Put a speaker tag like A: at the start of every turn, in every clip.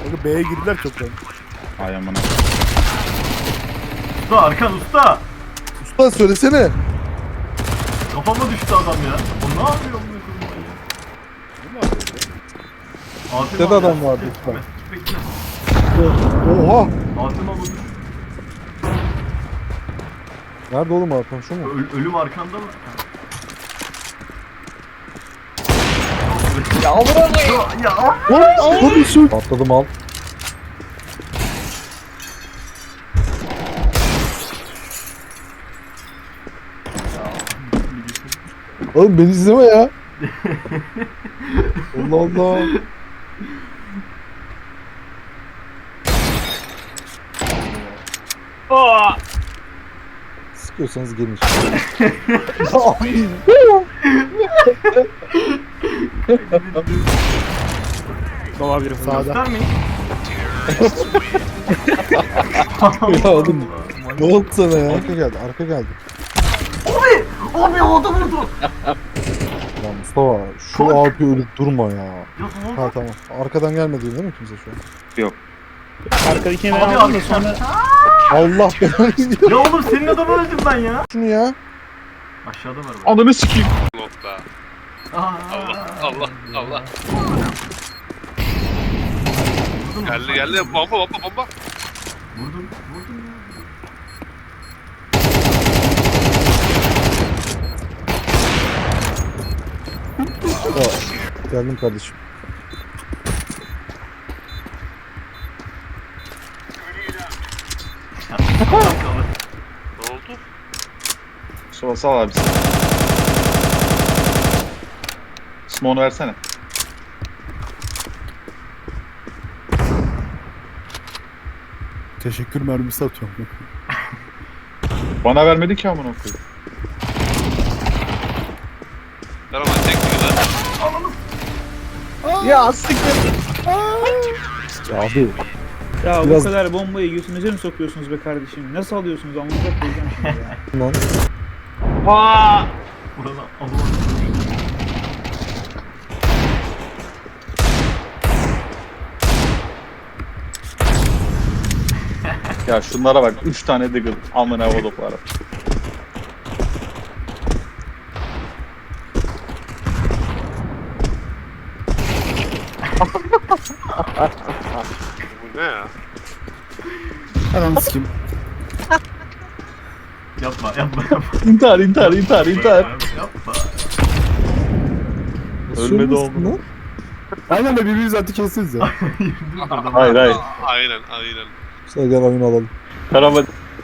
A: Kanka B'ye girdiler çoktan.
B: Ay amına.
C: Usta arkan usta.
A: Usta söylesene.
C: Kafama düştü adam ya. O ne yapıyor amına koyayım ya? Atem
A: Dede
C: abi,
A: adam vardı
C: bekle,
A: usta.
C: bekle.
A: Oha.
C: Atem abi dur.
A: Nerede oğlum Hakan şu mu?
C: Ölüm arkanda mı?
D: Ya bırak.
C: Ya.
A: Lan bir sürü. Atladım al. Oğlum beni izleme ya. Allah Allah.
D: Aa!
A: Sıkıyorsanız gelin işte. Abi.
D: Olabilir.
A: Sağda.
C: Göstermeyin.
A: Ya oğlum. Ne oldu sana ya? Arka geldi, arka geldi.
C: Abi havada vurdu.
A: Ya Mustafa şu abi ölüp durma ya.
C: Ya ne oldu?
A: Ha tamam. Arkadan gelmedi değil mi kimse şu an?
D: Arkadakini ben
C: Abi
D: aldım da
C: arkadaşlar.
D: sonra
A: Allah belanı gidiyor
C: Ya oğlum senin adamı öldüm ben ya.
A: şunu ya.
C: Aşağıda var bak.
B: Ananı sikeyim.
E: Nokta.
C: Aa.
E: Allah.
C: Vurdun mu?
E: Geldi. Bomba.
C: Vurdum ya.
A: Ya, geldim kardeşim.
E: Ne oldu?
B: Sola sal abi sen. Smoke'unu versene.
A: Teşekkür mermisi atıyorum.
B: Bana vermedi ki amına koyayım.
E: Ben ama tek diyor lan.
D: ya siktir.
A: Ya abi.
D: Ya
A: Biraz-
D: bu kadar bombayı götünüze mi sokuyorsunuz be kardeşim? Nasıl alıyorsunuz? Anlayacak koyacağım şimdi ya.
A: Lan.
D: Aa!
C: Burada Allah.
B: Ya şunlara bak 3 tane diggle amına kodukları.
E: Bu ne ya?
A: Ananı sikeyim.
C: Yapma.
B: İntihar.
C: Yapma.
B: Ölmedi oğlum.
A: Aynen de birbirimizi attı kestiniz ya.
B: Hayır.
E: Aynen.
A: Sen gel oyunu alalım.
B: Karama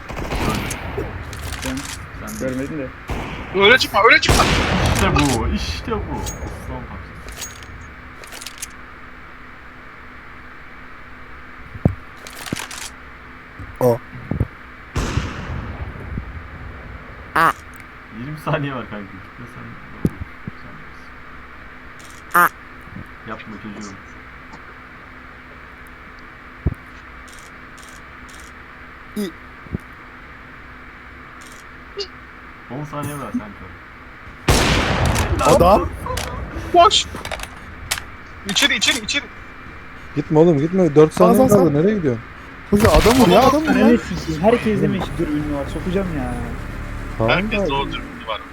C: Sen
D: Görmedin de.
E: Öyle çıkma.
C: İşte bu. Aslan parçası.
A: O.
C: 20 saniye var kanka. Gitme sen. Yapma çocuğum.
A: İ.
C: 10 saniye var kanka.
A: Adam.
E: Koş. İçeri.
A: Gitme oğlum gitme. 4 saniye kaldı. Nereye gidiyorsun? Hızlı adam vur ya adam vur ya.
D: Ananı sikeyim. Herkes demiş dürbünü var. Sokacağım ya.
A: Tamam
E: Herkes
A: da.
E: doğru dürbünü var.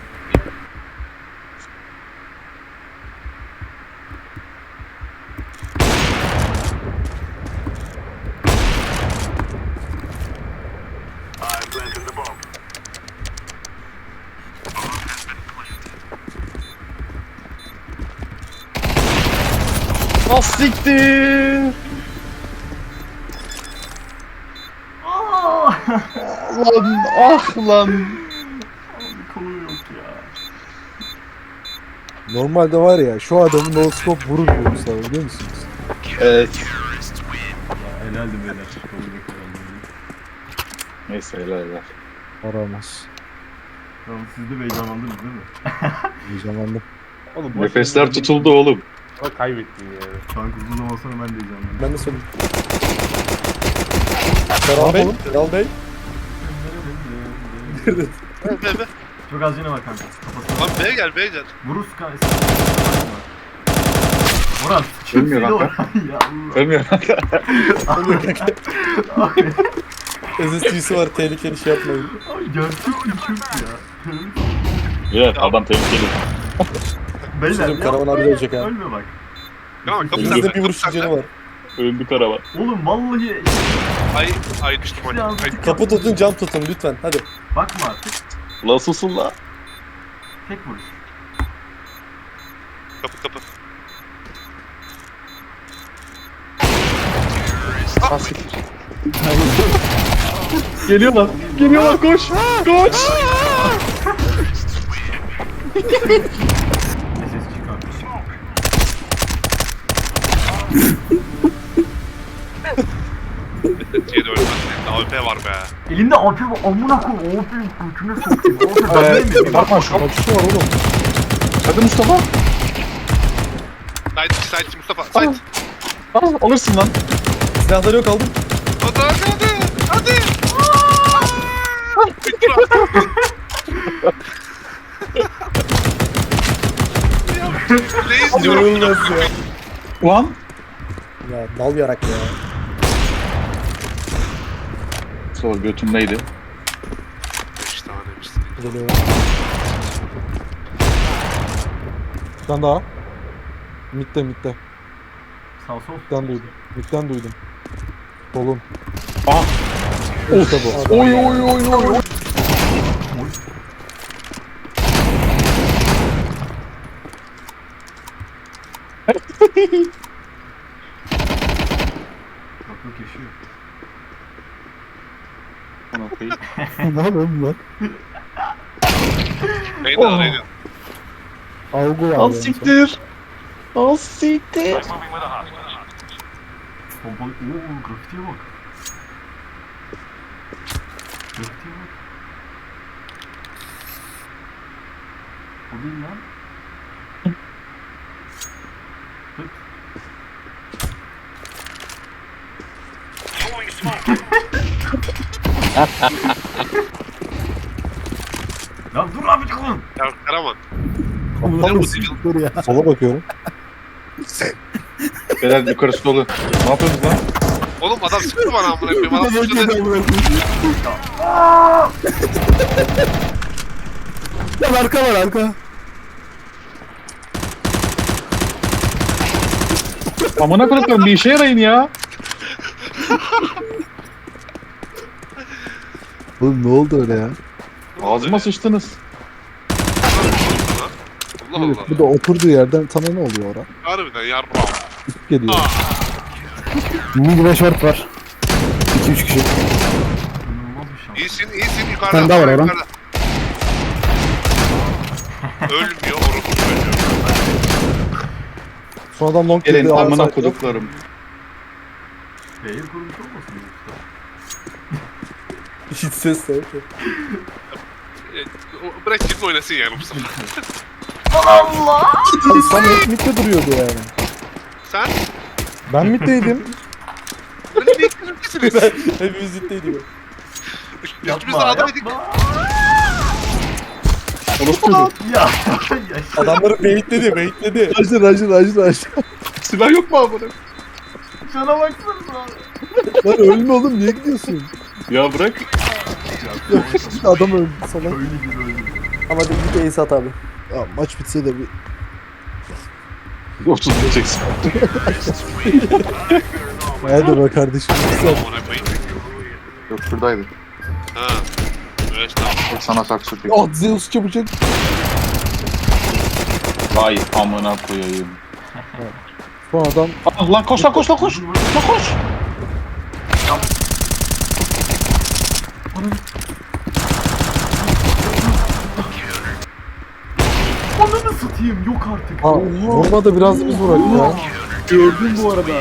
B: Ah siktir. Lan.
C: Kolu yok ya.
A: Normalde var ya şu adamı no scope vurur bu Mustafa biliyor musunuz?
B: Evet.
C: Helaldi beyler. Kolu yok herhalde.
B: Neyse helal.
A: Aramaz.
C: Tamam siz de heyecanlandınız değil mi?
A: Heyecanlandım.
F: Oğlum
B: Nefesler tutuldu oğlum.
F: Bak kaybettin yani.
C: Kanka uzun olmasına ben de heyecanlandım.
A: Ben de söyleyeyim.
F: Ferhan Bey, Ferhan Bey.
E: Be.
C: Çok az yine var kanka. Kafasına.
E: Lan B'ye gel.
C: Vururuz kanka. Murat
B: Ölmüyor kanka.
C: Ya Allah.
B: Ölmüyor kanka.
F: SSG'si var tehlikeli şey yapmayın.
C: Ay gerçek bir Türk ya.
B: Evet adam tehlikeli.
C: Beyler
F: Sözüm
C: ya,
F: Karaman abi
C: ölme,
F: ölecek ha.
C: Ölme bak.
E: Ya kapı
F: Elimizde
E: sende.
F: bir vuruş
E: Kapı
F: canı
E: sende.
F: var.
B: Öldü karavan.
C: Oğlum vallahi
E: Ay düştüm hani.
C: Ya,
E: Ay,
F: Kapı tutun cam tutun lütfen hadi.
C: bakma artık.
B: La susun la.
C: Tek vuruş.
E: kapı.
B: Geliyorlar. Geliyorlar koş. Koş.
C: Ne ses çıkar?
E: Diye de ölmez. AWP var be.
C: Elinde AP var. Amına koy. AP'yi götüne sokayım. AP ben değil miyim?
B: Bakma şu.
A: Kaçışı var oğlum.
B: Hadi Mustafa.
E: Side Mustafa. Side.
B: Alırsın lan.
F: Silahları yok aldım.
E: Hadi. Bitti lan. Reis diyorum.
F: İnanılmaz ya.
B: Ulan.
F: Ya dal yarak ya.
B: Sonra götümdeydi.
E: 5 tanemiş.
F: Geliyor.
A: Bir tane daha. Mid'de.
C: Sağ sol.
A: Mid'den duydum. Solun.
B: Aha.
A: İşte bu.
B: Oy.
C: Kapı yaşıyor.
B: Ona koyayım.
A: Ne yapayım lan?
E: Neydi lan neydi?
A: Algı var.
B: Al siktir. Al siktir.
C: Pompalı. Ooo grafitiye bak. Grafitiye bak. O değil lan. Tut. Ya dur abi çıkın.
E: Ya Karaman.
A: Aptal mısın? Dur ya. Sola bakıyorum.
B: Beyler yukarısı dolu. Ne yapıyorsunuz lan?
E: Oğlum adam sıktı bana amına koyayım. Adam sıktı.
A: Lan arka var arka.
B: Amına koyayım bir işe yarayın ya.
A: Oğlum ne oldu öyle ya?
B: Ağzıma sıçtınız.
E: Allah Allah.
A: Bu da oturduğu yerden sana ne oluyor ora?
E: Harbiden yarrağım.
A: İlk geliyor.
G: Mid ve short var. 2-3 kişi.
C: İnanılmaz bir şans.
E: İyisin yukarıda.
G: Sen de var Orhan.
E: yukarıda. Ölmüyor orası ölmüyor.
A: Sonradan long
B: Gelin
A: girdi.
B: amına
A: outside'da.
B: koduklarım.
C: Beyir kurmuş olmasın yoksa?
F: Hiç ses de yok.
E: Bırak kim oynasın yani bu sefer.
A: Sen hep midde duruyordu yani.
E: Sen
A: Ben middeydim.
E: öyle bir iklimdesiniz.
F: Hepimiz ziddeydik.
E: Üstümüzde adam edik.
A: Orospu çocuk.
C: Ya.
F: Adamları beyitledi.
A: Rajlı.
B: Silah yok mu amına?
C: Şuna baksana.
A: Lan ölme oğlum niye gidiyorsun?
B: Ya bırak.
A: Adam öldü salak.
C: Köylü gibi öldü.
F: Ama de bir ace at abi.
A: Ya, maç bitse de bir
B: 30 diyeceksin.
A: hadi be kardeşim.
E: Amına koyayım.
B: Yok şuradaydı.
E: Ha. Evet tamam.
B: Sana saksı çek.
A: Ah Zeus çabucak.
B: Vay amına koyayım.
A: Son adam
B: Ah lan koş. Lan koş.
C: Ananı satayım yok artık.
A: ha, vurmadı biraz da biz vurak ya.
D: Gördüm bu arada.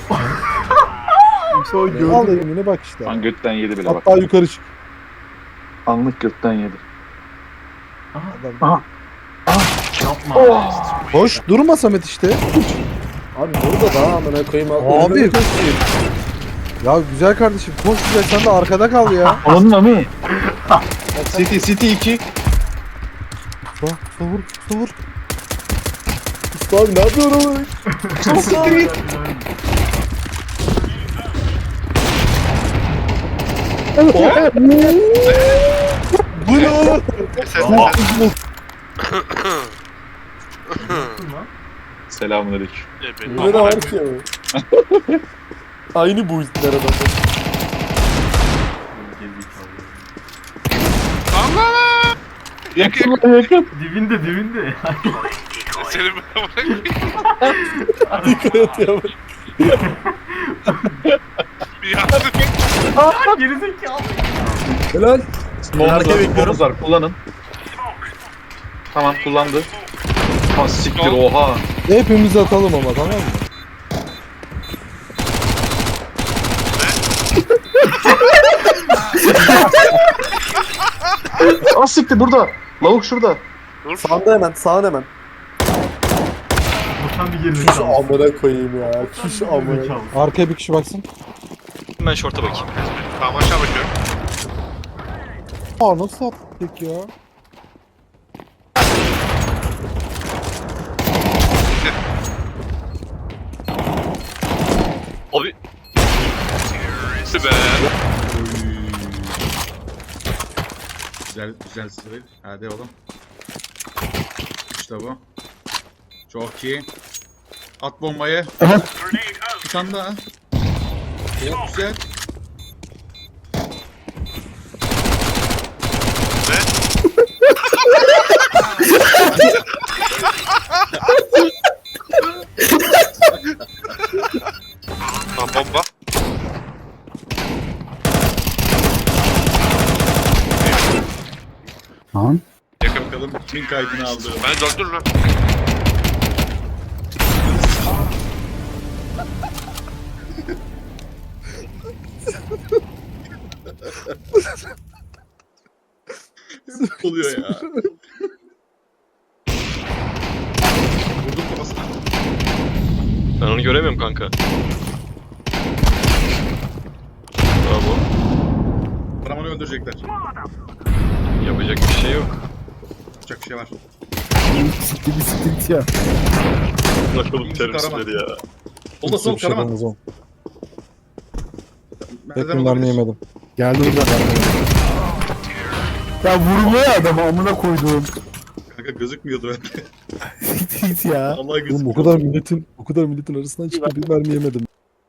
A: Sonra gördüm. Al elimini bak işte.
B: Lan götten yedi bile bak.
A: Hatta yukarı çık.
B: Anlık götten yedi.
A: Adam.
C: Yapma.
A: Hoş durma Samet işte.
F: Abi burada da amına koyayım.
A: Abi. Ya güzel kardeşim koş güzel sen de arkada kal ya.
B: Anladın mı? City 2.
A: Vur.
F: Usta abi ne yapıyorsun oğlum?
A: Bu ne oğlum?
E: Ses
B: Selamünaleyküm.
F: Ne de var ki ya? Aynı bu ilkler adamlar.
E: Allah!
B: Yakın yakın.
C: Dibinde.
E: Senin ben bırakayım.
F: Dikkat et ya.
E: Bir yardım.
C: Gerizekalı.
F: Helal.
B: Smoke'umuz var, smoke'umuz var. Kullanın. Tamam kullandı. Ha siktir oha.
A: Hepimiz atalım ama tamam mı?
B: Ah siktir burada. Lavuk şurada.
E: Dur.
F: Sağında hemen, sağın hemen.
C: Boşan bir
F: Şuş
C: gerizekalı.
F: amına koyayım ya. Şuş amına.
C: Gerizekalı.
A: Arkaya bir kişi baksın.
H: Ben şorta bakayım.
E: Tamam aşağı bakıyorum.
A: Aa nasıl attık ya?
H: Abi
E: Süper.
I: Güzel sıvı. Hadi oğlum. İşte bu. Çok iyi. At bombayı. Bir tane daha. Çok güzel.
E: Tamam bomba.
G: Lan.
E: Yakın.
I: Bakalım kimin kaydını aldı.
E: Ben döndür lan.
I: Oluyor ya. Vurdum kafasına.
H: ben onu göremiyorum kanka. Bravo.
I: Paramanı öldürecekler.
H: Yapacak bir şey yok.
I: Yapacak bir şey var.
G: Siktir ya.
H: Bakalım teröristleri ya.
I: Solda sol
A: Bir şey
I: Karaman.
A: yapamaz oğlum.
I: Merdiven
A: Hepimden mi
I: olabilir.
A: yemedim?
G: Geldi burada. Ya vurmuyor adamı amına koyduğum.
I: Kanka gözükmüyordu bende.
G: Siktir ya.
I: Allah
A: Oğlum
I: gözükmüyor.
A: o kadar milletin arasından çıkıp bir mermi yemedim.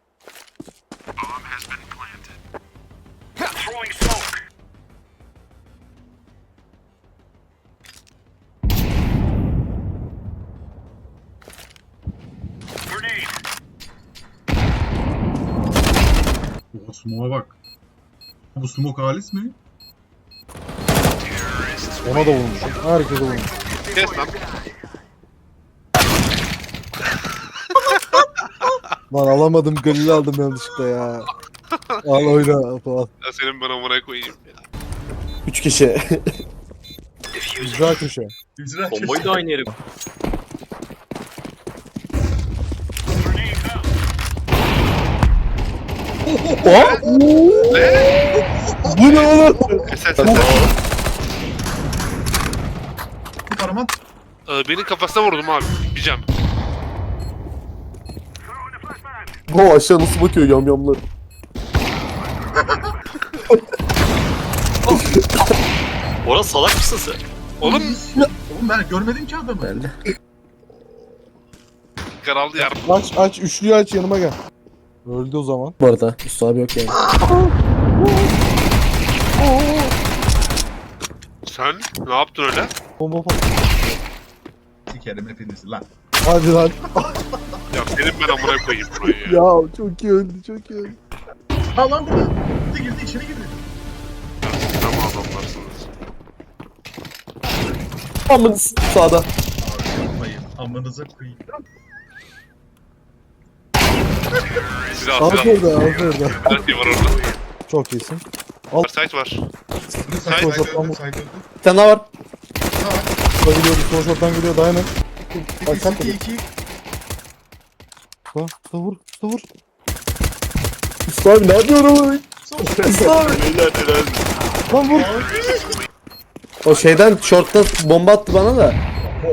I: Oha smoke'a bak. Bu smoke halis mi?
A: Ona da vurmuşum. Herkese vurmuşum.
E: Kes lan.
A: Lan alamadım, galil aldım yanlışlıkla ya. Al oyna falan.
E: Ya senin ben amına koyayım ya.
F: 3 kişi.
A: Güzel köşe.
I: İcra
H: Bombayı da aynı yere.
A: Bu ne oğlum?
E: Ses.
I: Karaman.
E: Benim kafasına vurdum abi. Bicem.
F: Bu aşağı nasıl bakıyor yamyamlar.
H: Orası salak mısın sen?
E: Oğlum
I: Oğlum ben görmedim ki adamı.
F: Belli.
E: karaldı yarım.
A: Aç, üçlüyü aç yanıma gel. Öldü o zaman.
F: Bu arada Usta abi yok yani.
E: Sen ne yaptın öyle?
A: Bomba falan.
I: Sikerim hepinizi lan.
A: Hadi lan.
E: Ya senin ben amına koyayım burayı ya.
A: Ya çok iyi öldü, çok iyi öldü.
I: Ha lan burada. Girdi içeri girdi.
E: Tamam adamlarsınız.
F: Amın sağda.
I: Yapmayın. Amınıza koyayım.
E: Silah
A: Al
E: silah.
A: orada, al orada.
E: Her şey var orada.
A: Çok iyisin.
E: Site var.
I: Saydı
A: Saydı.
I: saydı.
F: Bir tane daha var.
A: Sol geliyor, sol şorttan geliyor, dayanın. Bak sen tabii.
I: 2
A: Usta vur, usta vur.
F: Usta abi ne yapıyorsun? Usta abi.
A: Lan vur.
F: O şeyden shortta bomba attı bana da.